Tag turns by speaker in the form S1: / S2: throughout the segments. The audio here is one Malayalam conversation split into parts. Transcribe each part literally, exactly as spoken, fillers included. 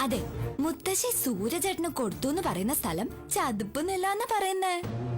S1: അതെ, മുത്തശ്ശി സൂര്യചേട്ടന് കൊടുത്തു എന്ന് പറയുന്ന സ്ഥലം ചതുപ്പ് നിലാന്ന് പറയുന്നേ.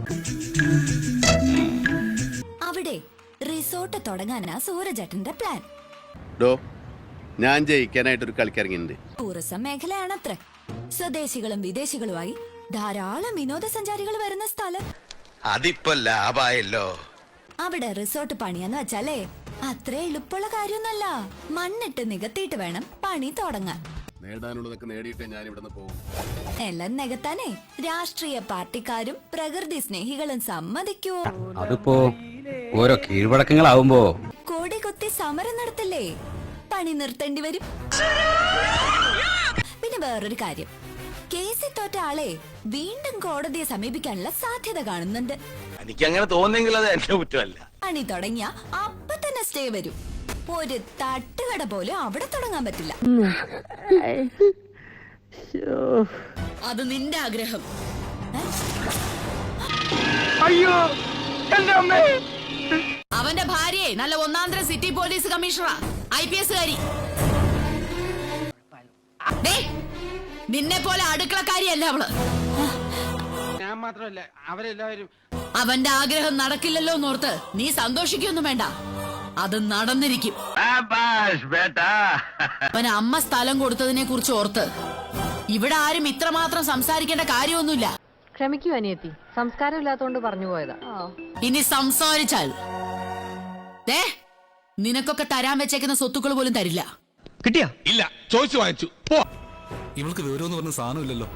S1: അവിടെ റിസോർട്ട് തുടങ്ങാനാ സൂര്യചേട്ടന്റെ പ്ലാൻ.
S2: ഞാൻ ജയിക്കാനായിട്ട് ഒരു കളിക്കിറങ്ങിയിട്ടുണ്ട്.
S1: ടൂറിസം മേഖലയാണത്ര. സ്വദേശികളും വിദേശികളുമായി ധാരാളം വിനോദസഞ്ചാരികൾ വരുന്ന സ്ഥലം.
S3: അതിപ്പോ ലാഭായല്ലോ.
S1: അവിടെ റിസോർട്ട് പണിയാന്ന് വെച്ചാലേ അത്ര എളുപ്പമുള്ള കാര്യമൊന്നല്ല. മണ്ണിട്ട് നികത്തിയിട്ട് വേണം പണി തുടങ്ങാൻ.
S2: നേടാനുള്ളതൊക്കെ നേടിയിട്ടേ ഞാൻ ഇവിടുന്ന് പോകും.
S1: എല്ലാം നികത്താനേ രാഷ്ട്രീയ പാർട്ടിക്കാരും പ്രകൃതി സ്നേഹികളും സമ്മതിക്കൂ.
S4: അതിപ്പോ ഓരോ കീഴ്വഴക്കങ്ങളാവുമ്പോ
S1: കോടി കുത്തി സമരം നടത്തില്ലേ, പണി നിർത്തേണ്ടി വരും. പിന്നെ വേറൊരു കാര്യം, കേസിൽ തോറ്റ ആളെ വീണ്ടും കോടതിയെ സമീപിക്കാനുള്ള സാധ്യത കാണുന്നുണ്ട്.
S3: എനിക്ക് അങ്ങനെ തോന്നുന്നെങ്കിൽ അത് എന്റെ കുറ്റമല്ല.
S1: പണി തുടങ്ങിയ അപ്പൊ തന്നെ സ്റ്റേ വരും. ഒരു തട്ടുകട പോലും അവിടെ തുടങ്ങാൻ പറ്റില്ല.
S5: അത് നിന്റെ ആഗ്രഹം.
S6: അയ്യോ
S5: അവന്റെ ഭാര്യയെ നല്ല ഒന്നാന്തര സിറ്റി പോലീസ് കമ്മീഷണറാ, ഐ പി എസ് കാരി. നിന്നെ പോലെ അടുക്കളക്കാരിയല്ല അവള്.
S6: ഞാൻ മാത്രമല്ല അവരെല്ലാവരും.
S5: അവന്റെ ആഗ്രഹം നടക്കില്ലല്ലോ എന്നോർത്ത് നീ സന്തോഷിക്കൊന്നും വേണ്ട, അത് നടന്നിരിക്കും. അവൻ അമ്മ സ്ഥലം കൊടുത്തതിനെ കുറിച്ച് ഓർത്ത് ഇവിടെ ആരും ഇത്രമാത്രം സംസാരിക്കേണ്ട കാര്യമൊന്നുമില്ല.
S7: ക്ഷമിക്കൂ അനിയത്തി, സംസ്കാരം ഇല്ലാത്തോണ്ട് പറഞ്ഞു പോയതാ.
S5: ഇനി സംസാരിച്ചാൽ ദേ നിനക്കൊക്കെ തരാൻ വെച്ചേക്കുന്ന സ്വത്തുക്കൾ പോലും തരില്ല.
S6: കിട്ടിയാ? ഇല്ല, ചോദിച്ചു വാങ്ങിച്ചു.
S8: ഇവൾക്ക് വിവരമെന്ന് പറഞ്ഞ സാധനമില്ലല്ലോ.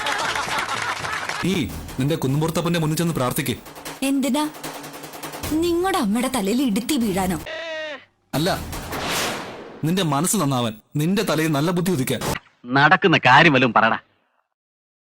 S8: നീ നിന്റെ കുന്നുമ്പുറത്തപ്പന്റെ മുന്നിൽ ചെന്ന് പ്രാർത്ഥിക്കേ.
S1: എന്തിനാ? നിങ്ങളുടെ അമ്മയുടെ തലയിൽ ഇടുത്തി വീഴാനോ?
S8: അല്ല, നിന്റെ മനസ്സ് നന്നാവാൻ, നിന്റെ തലയിൽ നല്ല ബുദ്ധി ഉദിക്കാൻ.
S4: നടക്കുന്ന കാര്യം വല്ലതും പറയടാ.